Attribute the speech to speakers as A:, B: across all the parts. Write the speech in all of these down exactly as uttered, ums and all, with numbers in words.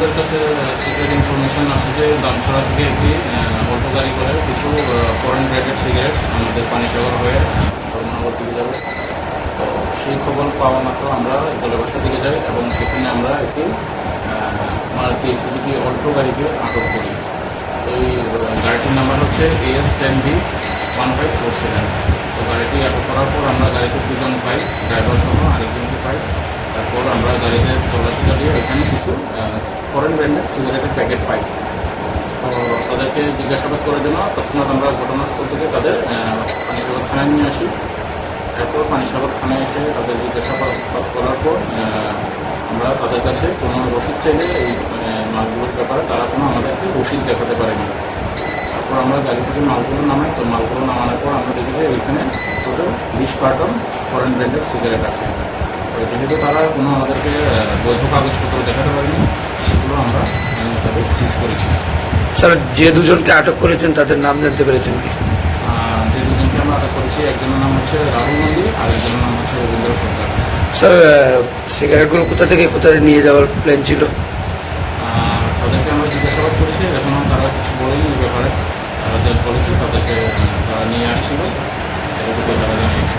A: আমাদের কাছে secret information আসে যে দামছড়া থেকে একটি অটো গাড়ি করে কিছু ফরেন ব্র্যান্ডেড সিগারেটস আমাদের পানিসাগর হয়ে ধর্মনগর দিকে যাবে। তো সেই খবর পাওয়া মাত্র আমরা জলবাসার দিকে যাই এবং সেখানে আমরা একটি মারুতি সুজুকি অল্টো গাড়িকে আটক করি। এই গাড়িটির নাম্বার হচ্ছে AS ten V one five four seven. তো গাড়িটি আটক করার পর আমরা গাড়িতে দুজন পাই, ড্রাইভার সহ আরেকজনকে পাই। তারপর আমরা গাড়িতে তল্লাশি চালিয়ে এখানে কিছু ফরেন ব্র্যান্ডের সিগারেটের প্যাকেট পাই। তো তাদেরকে জিজ্ঞাসাবাদ করার জন্য তৎক্ষণাৎ আমরা ঘটনাস্থল থেকে তাদের পানিসাগর থানায় নিয়ে আসি। এরপর পানিসাগর থানায় এসে তাদের জিজ্ঞাসাবাদ করার পর আমরা তাদের কাছে কোনো রসিদ চাইলে এই মালগুলোর ব্যাপারে তারা কোনো আমাদেরকে রসিদ দেখাতে পারেনি। তারপর আমরা গাড়ি থেকে মালগুলো নামাই। তো মালগুলো নামানোর পর আমরা দেখি যে এখানে টোটাল বিশ কার্টন ফরেন ব্র্যান্ডের সিগারেট আছে। তো যেহেতু তারা কোনো আমাদেরকে বৈধ কাগজপত্র দেখাতে পারেনি, সেগুলো আমরা তাদের সিজ করেছি।
B: স্যার, যে দুজনকে আটক করেছেন তাদের নাম জানতে পেরেছেন কি?
A: যে দুজনকে আমরা আটক করেছি, একজনের নাম হচ্ছে রাহুল নন্দী আর একজনের নাম হচ্ছে রবীন্দ্র সরকার।
B: স্যার, সিগারেটগুলো কোথা থেকে কোথায় নিয়ে যাওয়ার প্ল্যান ছিল?
A: তাদেরকে আমরা জিজ্ঞাসাবাদ করেছি, এখনও তারা কিছু বলেনি এই ব্যাপারে। তারা যে বলেছে তাদেরকে তারা নিয়ে আসছিল, এটুকু তারা জানিয়েছে।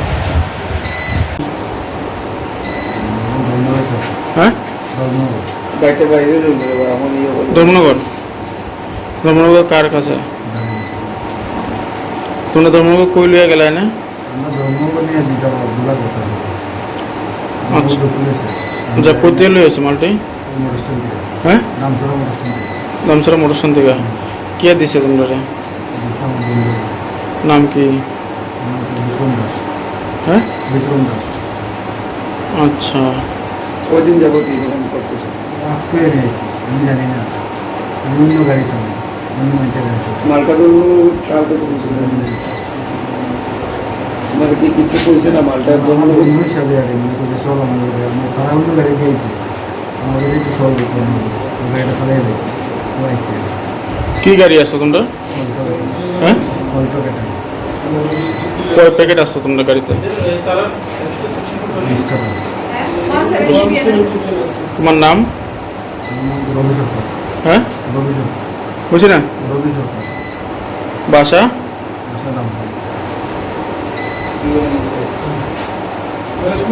C: হ্যাঁ, ধর্মনগর ধর্মনগর কার কাছে? তোমরা ধর্মনগর কই লিয়ে গেলে না? আচ্ছা, যা করতে লইছে মালটি? হ্যাঁ, দামছড়া মোটর স্ট্যান্ড থেকে। কে দিছে তোমরা? নাম কি? হ্যাঁ, আচ্ছা।
B: কদিন যাবো কি এরকম করতেছে?
D: আজকে নিয়েছি, আমি জানি না, আমি অন্য গাড়ি চালাই, অন্য মানুষের গাড়ি চালাই।
B: মালটাগুলো কার কাছে মানে কি কিছু কইছে না? মালটা
D: আমার অন্য হিসাবে আর মনে করছে চল আমাদের আমার তারা অন্য গাড়ি খেয়েছে, আমাদের একটু চল দেখবো, গাড়িটা চালাই দেয় চালাইছে।
C: কি গাড়ি আসছো তোমরা? হ্যাঁ,
D: অল্টো গাড়ি
C: কয় প্যাকেট আসছো তোমরা গাড়িতে?
D: বিশ টাকা।
C: তোমার নাম?
D: রবি সরকার।
C: হ্যাঁ,
D: রবি সরকার।
C: বুঝি না।
D: রবি সরকার।
C: বাসা?
D: আসালাম।